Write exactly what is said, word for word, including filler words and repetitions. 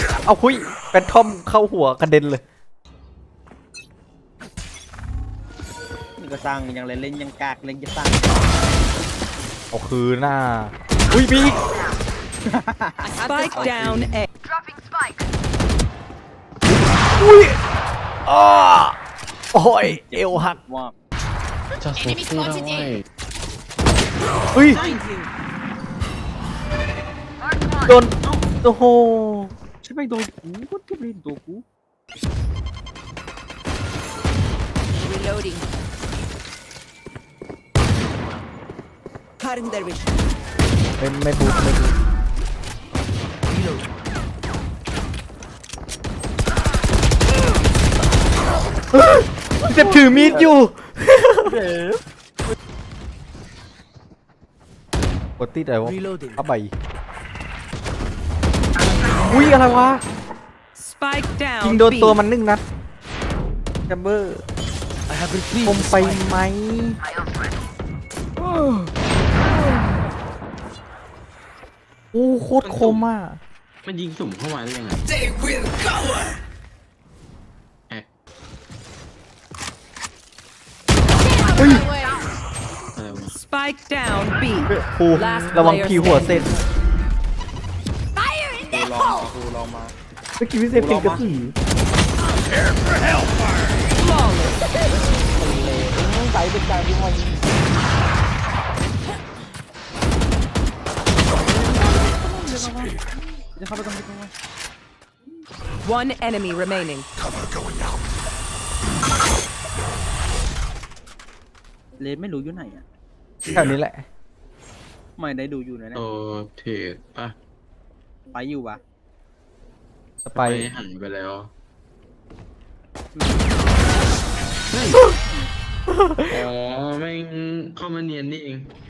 เอาคุยแฟนทอมเข้าหัวกระเด็นเลยนี่ก็สร้างอย่างไรเล่นยังกากเล่นจะสร้างเอาคืนหน้าอุ้ยมีอีก Spike down A. อุ้ยอ้อโอ้ยเอวหักว่าจะสู้สู้ได้เฮ้ยโดนโอ้โหใช่ไหมโดนกูก็เก็บเล่นตัวกู Reloading. Cutting their vision. ไม่ไม่บูทไม่บูทเจ็บถือมีดอยู่กดติดอะไรวะเอาไปอุ้ยอะไรวะ Spike ยิง down โดน B. ตัวมันนึ่งนัดแชมเบอร์คมไปไหมโอ้โคตรคมอ่ะมันยิงสุ่มเข้ามาได้ยังไงแอะเฮ้ยอะไรวะ Spike down B. ครูระวังพีหัวเส้นกูลองมากูลองมาเมื่อกี้พี่เซฟเป็นกระสือ Flawless. ใส่เป็นการที่มันจะเข้าไปตรงนี้ตรงนี้ One enemy remaining. เลนไม่รู้อยู่ไหนอ่ะแถวนี้แหละไม่ได้ดูอยู่ไหนนะโอ้เทรดป่ะไปอยู่ปะสไปไปหันไปแล้วอ๋อแม่งเข้ามาเนียนนี่เอง